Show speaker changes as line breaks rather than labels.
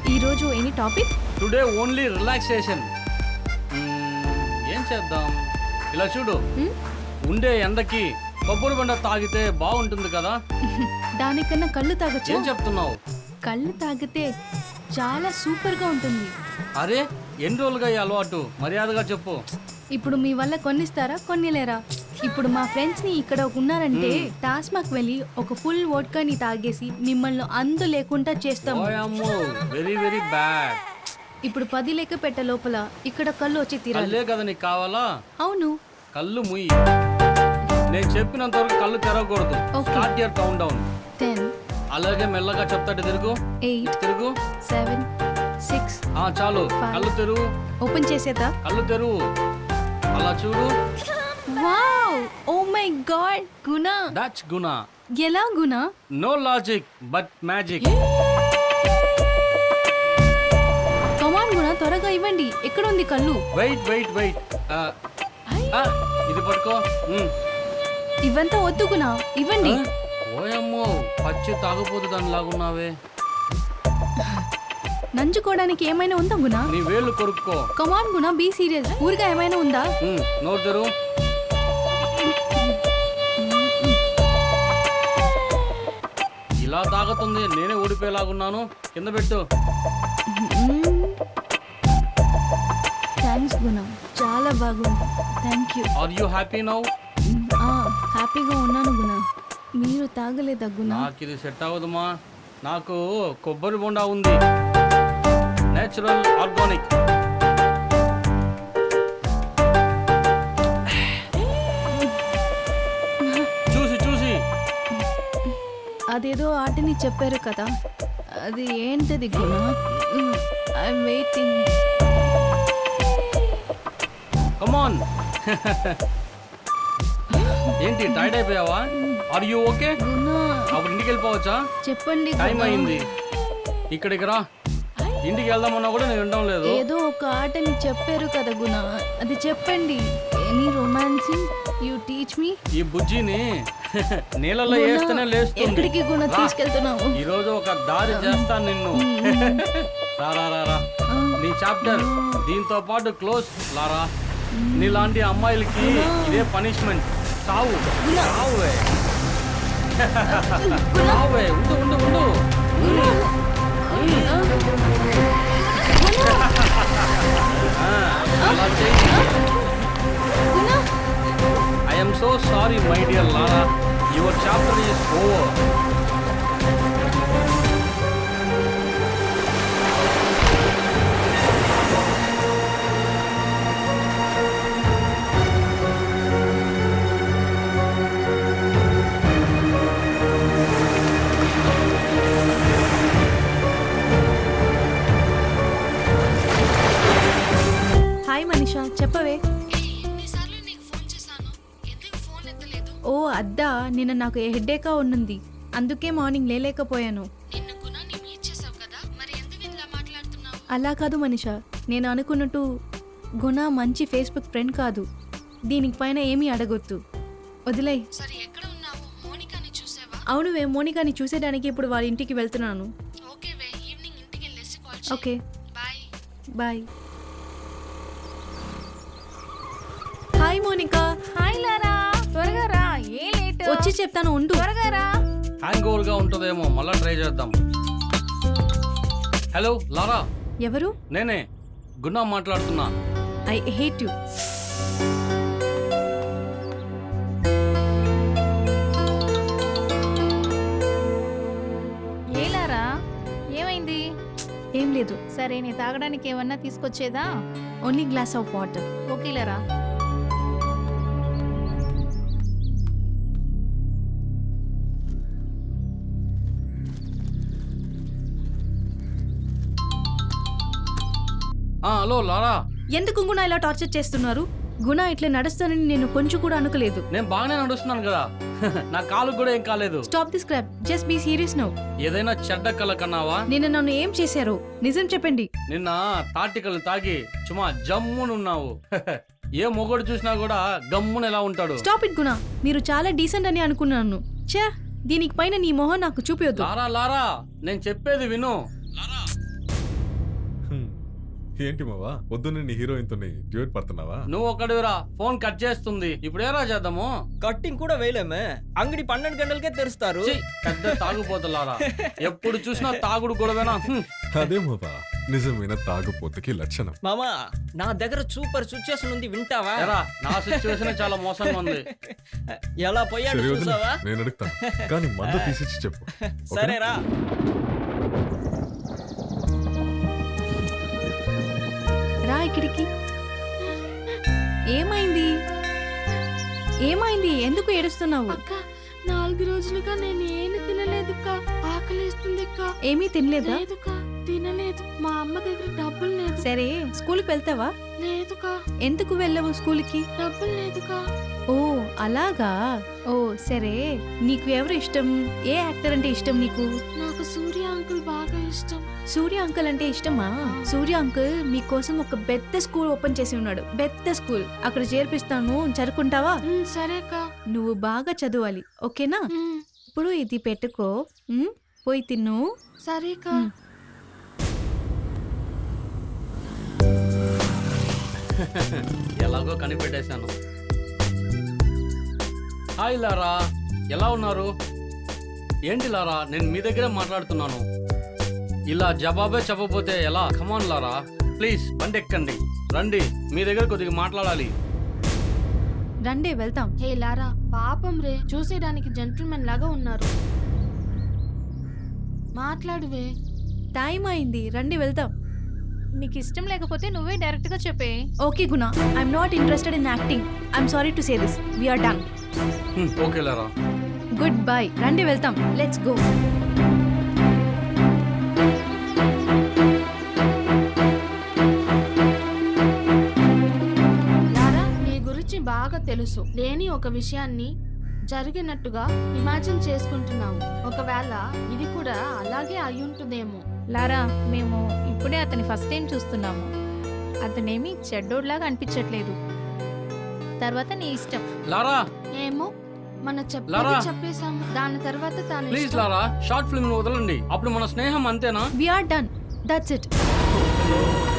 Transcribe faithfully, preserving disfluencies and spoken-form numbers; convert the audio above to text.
ఈరోజు any topic?
Today only relaxation. ఏం చేద్దాం? ఇలా చూడు, ఉండే ఎండకి కొబ్బరి బండ తాగితే బాగుంటుంది కదా.
దానికన్నా కళ్ళు తాగొచ్చు.
ఏం చెప్తున్నావు?
కళ్ళు తాగితే చాలా సూపర్ గా ఉంటుంది.
అరే ఎన్ని రోజులుగా ఈ అలవాటు? మర్యాదగా చెప్పు.
ఇప్పుడు మీ వల్ల కొన్నిస్తారా కొన్నిలేరా? ఇప్పుడు మా ఫ్రెండ్స్ ని ఇక్కడ ఉన్నారంటే టాస్మాక్ వెళ్ళి ఒక ఫుల్ వోడ్కాని తాగేసి మిమ్మల్ని అందు లేకుండా చేస్తాము.
Very very bad.
ఇప్పుడు పది లెక్క పెట్ట లోపల ఇక్కడ కళ్ళు వచ్చి తీరాలి
కదా నీకు కావాలా?
అవును.
కళ్ళు ముయ్యి. నేను చెప్పినంత వరకు కళ్ళు తెరవకూడదు. Start your countdown.
Ten.
అలాగే మెల్లగా చెప్తాడు. తిరుగు. ఎయిట్. తిరుగు.
సెవెన్. సిక్స్.
ఆ చాలు. కళ్ళు తెరువు.
ఓపెన్ చేసేదా?
కళ్ళు తెరువు. అలా చూడు.
Wow! Oh my God! Guna.
That's Guna.
ఎలా Guna?
No logic but magic.
Come on Guna, త్వరగా ఇవ్వండి. ఎక్కడ ఉంది కళ్ళు?
Wait wait wait. ఇది పట్టుకో.
ఇవంతా వద్దు గుణ, ఇవ్వండి.
ఓయమ్మో, పచ్చి తాగపోతు దాని లాగున్నావే.
నంచుకోవడానికి ఏమైనా ఉందా గుణ?
నీ వేళ్ళు కొరుక్కో.
కమాన్ గుణ, బీ సీరియస్. ఊరిగా ఏమైనా ఉందా?
నోరు తెరు. ఇలా తాగుతుంది. నేనే ఊడిపోయేలాగున్నాను. కింద పెట్టు.
థ్యాంక్స్ గుణ, చాలా బాగుంది. Thank you.
Are you happy now?
హ్యాపీగా ఉన్నాను గుణ. మీరు తాగలేదా గుణ?
నాకు ఇది సెట్ అవ్వదుమా. నాకు కొబ్బరి బొండా ఉంది, నేచురల్ ఆర్గానిక్. చూసి చూసి.
అదేదో ఆటని చెప్పారు కదా, అది ఏంటది గుణ? I'm waiting.
కమాన్. ఏంటి టైర్డ్ అయిపోయావా? Are you okay? అప్పుడు ఇంటికి వెళ్ళిపోవచ్చా?
చెప్పండి.
టైం అయింది. ఇక్కడికి రా. ఇంటికి వెళ్దామన్నా కూడా నేను వినడం లేదు.
ఏదో ఒక ఆటని చెప్పారు కదా గుణ, అది చెప్పండి. Any romancing you teach me.
ఈ బుజ్జిని నీళ్ళలో వేస్తేనే లేస్తుంది.
ఎక్కడికి గుణ తీసుకెళ్తున్నావు?
ఈ రోజు ఒక దారి చేస్తాను నిన్ను. రా రా రా రా. నీ చాప్టర్ దీంతో పాటు క్లోజ్. లారా, నీలాంటి అమ్మాయిలకి ఇదే పనిష్మెంట్. సావు సావువే. సావువే. ఉండు ఉండు ఉండు. అలా చేయి. I am so sorry, my dear Lara. Your chapter is over.
Hi Manisha, చెప్పవే. ఓ అద్దా, నిన్న నాకు హెడ్ఏకా ఉన్నది, అందుకే మార్నింగ్ లేలేకపోయాను. అలా కాదు మనీషా, నేను అనుకున్నట్టు గుణ మంచి ఫేస్బుక్ ఫ్రెండ్ కాదు. దీనికి పైన ఏమీ అడగొద్దు, వదిలే. అవునువే, మోనికాని చూసేయడానికి ఇప్పుడు వాళ్ళ ఇంటికి వెళ్తున్నాను. Okay bye. Hi Monica.
Hi Laura, త్వరగా రా. ఏ లేట్?
వచ్చి చెప్తాను, ఉండు.
త్వరగా రా.
హ్యాంగ్ ఓవర్ గా ఉంటుందేమో, మళ్ళా ట్రై చేద్దాం. Hello Laura.
ఎవరు?
నేనే గుణ మాట్లాడుతున్నా.
I hate you.
ఏ లారా, ఏమైంది?
ఏం లేదు.
సరే, నీ తాగడానికి ఏమన్నా తీసుకొచ్చేదా?
Only glass of water.
Okay Laura.
Hello Laura.
ఎందుకు గుణ ఇలా టార్చర్ చేస్తున్నారు? గుణ ఇట్లా నడుస్తానని నేను కొంచెం కూడా అనుకోలేదు.
నేను బాగానే నడుస్తున్నాను కదా. నా కాలు కూడా ఏం కాలేదు.
Stop this crap, just be serious now.
ఏదైనా చెడ్డ కళ కన్నావా?
నిన్న నన్ను ఏం చేశారు? నిజం చెప్పండి.
నిన్న తాటికలు తాగి చుమా జమ్మునున్నావు. ఏ మొగడు చూసినా కూడా గమ్మున ఎలా ఉంటాడు?
స్టాప్ ఇట్ గుణ, మీరు చాలా డీసెంట్ అని అనుకున్నాను. ఛే, దీనికి పైన నీ మొహం నాకు చూపియొద్దు.
లారా లారా, నేను చెప్పేది విను. లారా,
ఏంటి మావా పొద్దున్న నీ హీరోయిన్ తోని డ్యూట్ పడుతున్నావా?
నువ్వు ఒకడివిరా, ఫోన్ కట్ చేస్తుంది. ఇప్పుడు ఏరా చేద్దాము?
కట్టింగ్ కూడా వేయలేమే, అంగడి పన్నెండు గంటలకే తెరుస్తారు.
ఛీ, పెద్ద తాగుపోతులారా, ఎప్పుడు చూసినా తాగుడు గొడవేనా? హ్మ్.
అదే మావా నిజమైన తాగుపోతుకి లక్షణం.
మామా నా దగ్గర సూపర్ సిచ్యుయేషన్ ఉంది, వింటావా?
ఏరా, నా సిచ్యువేషన్ చాలా మోసంగా ఉంది.
ఎలా పోయాడు
సరే వదిలే,
చూసావా?
నేను అడుగుతాను కానీ మందు తీసిచ్చి చెప్పు. ఓకేనా?
సరేరా.
రా ఇక్కడికి. ఏమైంది ఏమైంది ఎందుకు ఏడుస్తున్నావు?
అక్క నాలుగు రోజులుగా నేను ఏమి తినలేదుక్క, ఆకలిస్తుందిక్క.
ఏమీ తినలేదా?
లేదుక, తినలేదు. మా అమ్మ దగ్గర డబ్బులు లేదు.
సరే స్కూల్కి వెళ్తావా?
లేదుక,
ఎందుకు వెళ్ళవు స్కూల్కి?
డబ్బులు లేదుక.
ఓ అలాగా. ఓ సరే, నీకు ఎవరు ఇష్టం? ఏ యాక్టర్ అంటే ఇష్టం నీకు?
నాకు సూర్య అంకుల్ బాగా ఇష్టం.
సూర్య అంకుల్ అంటే ఇష్టమా? సూర్య అంకుల్ మీకోసం ఒక పెద్ద స్కూల్ ఓపెన్ చేసి ఉన్నాడు, పెద్ద స్కూల్. అక్కడ చేర్పిస్తాను, చదువుకుంటావా?
ఉమ్, సరేక.
నువ్వు బాగా చదవాలి, ఓకేనా?
ఉమ్,
ఇప్పుడు ఇది పెట్టుకో, ఉమ్, పోయి తిన్ను.
సరేక.
ఉమ్.
ఎలాగో కనిపెట్టేశాను. హాయ్ లారా, ఎలా ఉన్నారు? ఏంటి లారా, నేను మీ దగ్గరే మాట్లాడుతున్నాను. ఇలా జవాబే చెప్పకపోతే ఎలా? కమాన్ లారా, ప్లీజ్ బండి ఎక్కండి, రండి, మీ దగ్గర కొద్దిగా మాట్లాడాలి.
రండి వెళ్తాం.
హే లారా, పాపం రే, చూసేయడానికి జెంటిల్మెన్ లాగా ఉన్నారు. మాట్లాడువే.
టైం అయింది, రండి వెళ్తాం.
నీకు ఇష్టం లేకపోతే నువ్వే డైరెక్ట్ గా చెప్పే.
Okay Guna, I'm not interested in acting. I'm sorry to say this, we're done.
Hmm, okay Laura.
Goodbye, రండి వెళ్తాం, లెట్స్ గో.
లారా, నీ గురించి బాగా తెలుసు. లేని ఒక విషయాన్ని జరిగినట్టుగా ఇమాజిన్ చేసుకుంటున్నావు. ఒకవేళ ఇది కూడా అలాగే అయ్యుంటుందేమో.
లారా, మేము ఇప్పుడే అతని ఫస్ట్ టైం చూస్తున్నాము. అతనేమి చెడ్డోడ్లాగా అనిపించట్లేదు. తర్వాత నీ ఇష్టం.
లారా
ఏమో, మన
లారా.
చెప్పేది చెప్పేశాము. దాని తర్వాత తాను
ప్లీజ్
ఇష్టం.
లారా, షార్ట్ ఫిల్మ్ వదలండి, అప్పుడు మన స్నేహం అంతేనా?
We're done, that's it.